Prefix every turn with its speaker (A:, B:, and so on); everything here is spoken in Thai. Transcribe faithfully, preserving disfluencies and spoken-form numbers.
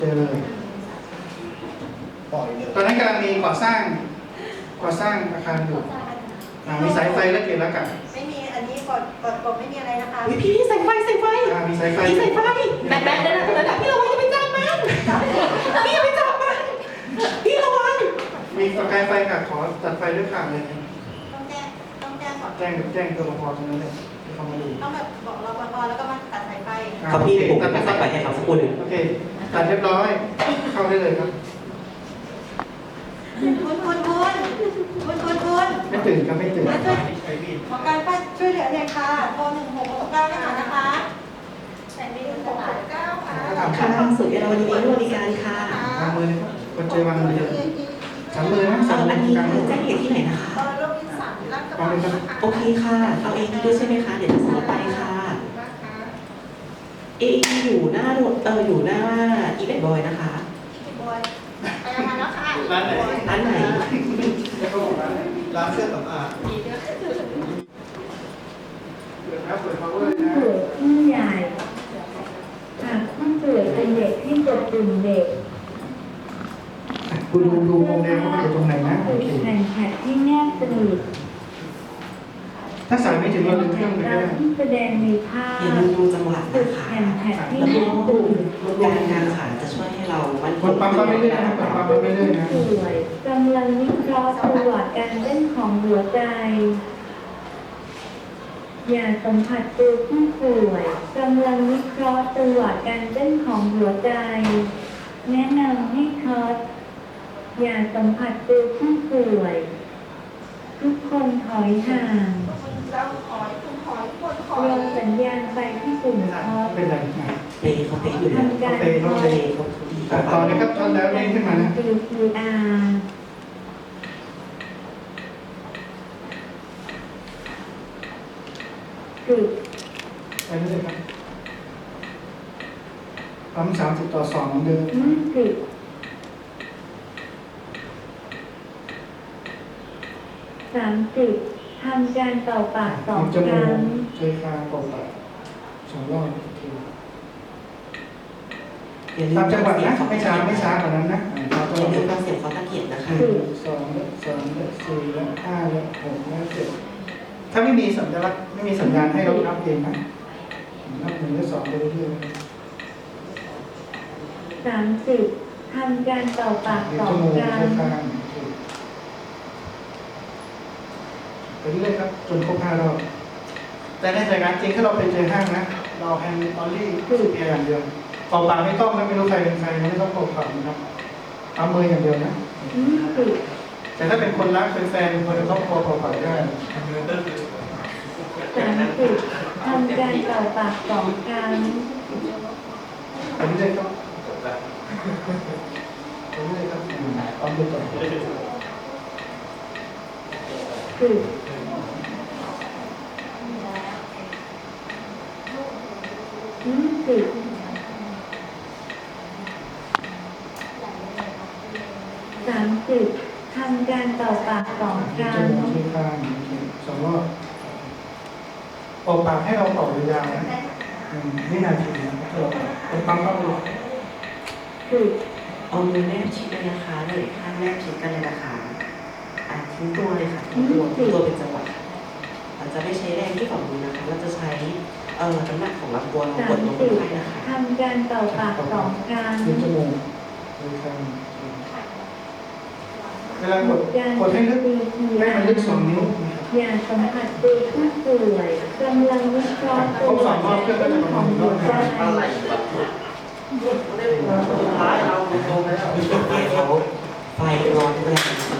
A: เจอเลยตอนนั้นกำลังมีก่อสร้างก่อสร้างอาคารอยู่อ่ามีสายไฟและเกล็ดแล้วกัน
B: ไม่มีอันนี้กดกดกดไม่มีอะไรนะคะ
C: พี่พี่สายไฟสายไฟ
A: อ่ามีสายไฟ
C: พี่สายไฟแบนแบนเลยนะระดับพี่ระวังอย่าไปจับมันพี่อย่าไปจับมันพี่ระวัง
A: มีประกายไฟค่ะขอตัดไฟด้วยค่ะเลย
B: ต้องแจ้งต้องแจ้งก่อน
A: แจ้งแจ้งตัวรปภตรงนั้นเลยที่เขามาดู
B: ต้องแบบบอกรปภแล้วก็มาตัดสายไฟ
A: อ่า
C: ครับ
A: โอ
C: พี่
A: เค
C: ผม
A: ตัด
C: จะ
A: ไฟ
C: สายไฟให้เขาสักครู่หนึ่ง
A: โอเคตัดเรียบร้อยเข้าได้เลยครับ
B: คุณคุณคุณคุณคุณคุณ
A: ไม่ตื่นครับไม่ตื่น
B: มาช่วยหมอการป้าช่วยเหลือหน่อยค่ะโทรหนึ่งหกหกเก้านะคะนะคะแต่ไม่ได้หกหกเก้าค่ะ
A: ถ้าถาม
C: ค่ะทางศูนย์เอราวันนี้บริการค่ะ
A: วางมือเลยครับคนเจอวางมือเลยสามมือนะสามมื
C: อั
A: อน
C: นี้
A: กลางมือ
C: แจ้งเหตุที่ไหนนะคะ
B: เออโรคที่สามรักกระ
A: วาง
B: บัง
A: เลยครับ
C: โอเคค่ะ เอาเองด้วยใช่ไหมคะ เดี๋ยวจะซื้อไปค่ะ เออยู่หน้าโรเอออยู่หน้าอีเวนต์บอยนะคะ
B: พี่บอยไปเอามาแล้วค่ะ
A: ร้านไหน
C: ร้านไหน
A: แล้วเขาบอกร้านไหน
D: ร้านเครื่องสำอาง
A: เปิดครับเปิด power
E: ผู้
A: นะ
E: ป่วยผู้ใหญ่หากผู้ป่วยเป็นเด็กที่กดปุ่มเด็ก
A: กูดูดูวงแดงว่ามันอยู่ตรงไหนนะโอเค
E: แผ่นแท็บที่แนบสนิท
A: ถ้าสายไม่ถึงเราดึงเครื่องไป
E: เรา
A: ได้
E: ที่แสดงในภาพ
C: อย่าลืมดูจังหวะ
E: จุ
C: นะ
E: ด
C: คะ
E: แผ่นแท็บที่
C: แล้ว
E: แน
C: ก็
E: บปุ่ม
C: การงานขาจะช่วยให้เรามัน
A: กดปั๊มปั๊มไปเรื่อยๆนะกดปั๊มปั๊มไปเรื่อยๆนะ
E: ผู้ป่วยกำลังวิเคราะห์ประวัติการเต้นของหัวใจ อย่าสัมผัสตัวผู้ป่วยกำลังวิเคราะห์ประวัติการเต้นของหัวใจ แนะนำให้ทดอย่าสัมผัสตัวผู้ป่วย ทุกคนถอยห่าง
B: เราขอยคุณขอยคนขอ
E: ร
B: ย
E: อสัญญาณไปที่ปุ่มทด
A: เป็นไรนะ
C: เปย์เขาเปย์อยู่แล้ว
E: ทำการ
A: เปย์
E: ท
A: เขา
E: ด
A: เปย์
C: เขาดี
A: ตัดต่อเลยครับทอนแล้วเด้งขึ้นมานะ
E: ซี พี อาร์ จุด
A: ไปเรื่อยๆครับปั๊มสามสิบต่อสองเหมือนเดิม
E: มือจุดสามสิบทำการเป่าปากสอง
A: จ
E: ค
A: มู
E: รั้
A: ก
E: ง
A: เจอคางเป่าปากสองรอบโอเค
C: อย่าลื
A: ตาม
C: ม
A: จังหวะนะ
C: ฟัง
A: ไม่
C: เสี
A: ช้าย
C: ง
A: ไม่ช้ากว่านั้นนะเรา
C: เขา
A: ต้อง
C: อย่าลืมฟังเสียงเขาตะเกียบนะคะ
A: หนึ่งสองและสองและสี่และห้าและหกและเจ็ดถ้าไม่มีสัญลักษณ์ไม่มีสัญญาณให้เรานับเองนะนับหนึ่งและสองไปเรื่อย
E: สามสิบทำการเป่าปาก
A: ๆ
E: สอ
A: จ
E: ง
A: มูก
E: ครั้
A: เจ
E: ง
A: อคางโอเคไปเรื่อยๆครับจนครบห้ารอบแต่ในสถานการณ์จริงถ้าเราไปเจอห้างนะ เราแฮนด์ออลลี่คือเพียงอย่างเดียวเป่าปากไม่ต้องนะไม่รู้ใครเป็นใครไม่ต้องเป่าปากนะครับเอามืออย่างเดียวนะ
E: ยี่สิบ
A: แต่ถ้าเป็นคนรักเป็นแฟนเป็นคนในครอบครัวเป่าปากได้
E: สามสิบทำการเป่าปากสองครั้ง
A: ไปเรื่อยๆครับไปเรื่อยๆครับเอาไปต่อ
E: สิบยี่สิบสามสิบทำการเป่าปากสองค
A: จ
E: รั้ง
A: มูกที่ข้างสองรอบเป่าปากให้เราเป่ายาวๆนะหนึ่งวินาทีนะครับเราเป็นปั๊มปั๊มเลย
E: สิบ
C: เอามือแนบชิดเลยนะคะเลยข้างแนบชิดกันเลยนะคะอ่ะทิ้งตัวเลยค่ะทิ้งตัวทิ้งตัวเป็นจังหวะเราจะไม่ใช้แรงที่ฝ่ามือนะคะเราจะใช้เอ่อน้ำหนักของลำตัวเรา
E: สาก ม
C: ดลง
E: สิบ
C: ไปนะคะ
E: ทำการเป่าปากสองครั้ง
A: ดึงจมูกดึงข้างเวลากด
E: การ
A: กดให้ลึก
E: ซี พี
A: ให้
E: อา
A: มันลึก
E: ร์
A: สองนิ้วนะครับ
E: อย่าสัมผัสตัวผู้ป่วยกำลังวิเคราะห์ตัวเต้นของหัวใจ
D: สุดท้ายเราโดนไปแล้ว
C: เขาไฟร้อนแรง